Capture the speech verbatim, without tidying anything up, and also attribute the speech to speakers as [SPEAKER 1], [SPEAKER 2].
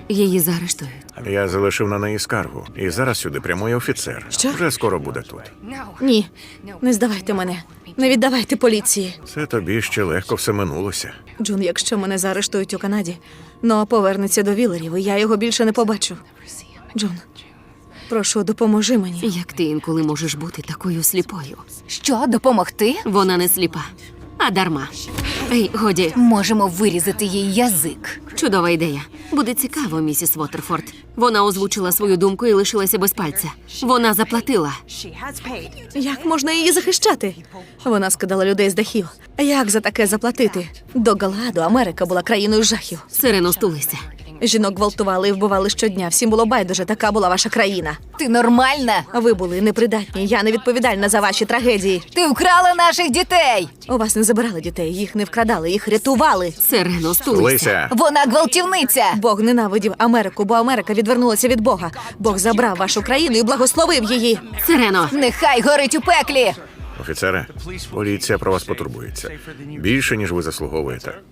[SPEAKER 1] Її заарештують.
[SPEAKER 2] Я залишив на неї скаргу. І зараз сюди прямує офіцер.
[SPEAKER 3] Що?
[SPEAKER 2] Вже скоро буде тут.
[SPEAKER 3] Ні, не здавайте мене. Не віддавайте поліції.
[SPEAKER 2] Це тобі ще легко все минулося.
[SPEAKER 3] Джун, якщо мене заарештують у Канаді, Ноа повернеться до Вілерів, і я його більше не побачу. Джун, прошу, допоможи мені.
[SPEAKER 1] Як ти інколи можеш бути такою сліпою?
[SPEAKER 4] Що, допомогти?
[SPEAKER 1] Вона не сліпа, а дарма. Ей, годі,
[SPEAKER 4] Можемо вирізати їй язик.
[SPEAKER 1] чудова ідея. Буде цікаво, місіс Вотерфорд. Вона озвучила свою думку і лишилася без пальця. Вона заплатила.
[SPEAKER 3] Як можна її захищати? Вона скидала людей з дахів. Як за таке заплатити? До Галаду Америка була країною жахів.
[SPEAKER 1] Сирено, стулися.
[SPEAKER 3] Жінок гвалтували і вбивали щодня. Всім було байдуже, така була ваша країна.
[SPEAKER 4] Ти нормальна?
[SPEAKER 3] Ви були непридатні, я не відповідальна за ваші трагедії.
[SPEAKER 4] Ти вкрала наших дітей!
[SPEAKER 3] У вас не забирали дітей, їх не вкрадали, їх рятували.
[SPEAKER 1] Сирено, стулися.
[SPEAKER 2] Лися!
[SPEAKER 4] Вона гвалтівниця!
[SPEAKER 3] Бог ненавидів Америку, бо Америка відвернулася від Бога. Бог забрав вашу країну і благословив її.
[SPEAKER 1] Сирено,
[SPEAKER 4] Нехай горить у пеклі!
[SPEAKER 2] Офіцере, поліція про вас потурбується. Більше, ніж ви заслуговуєте.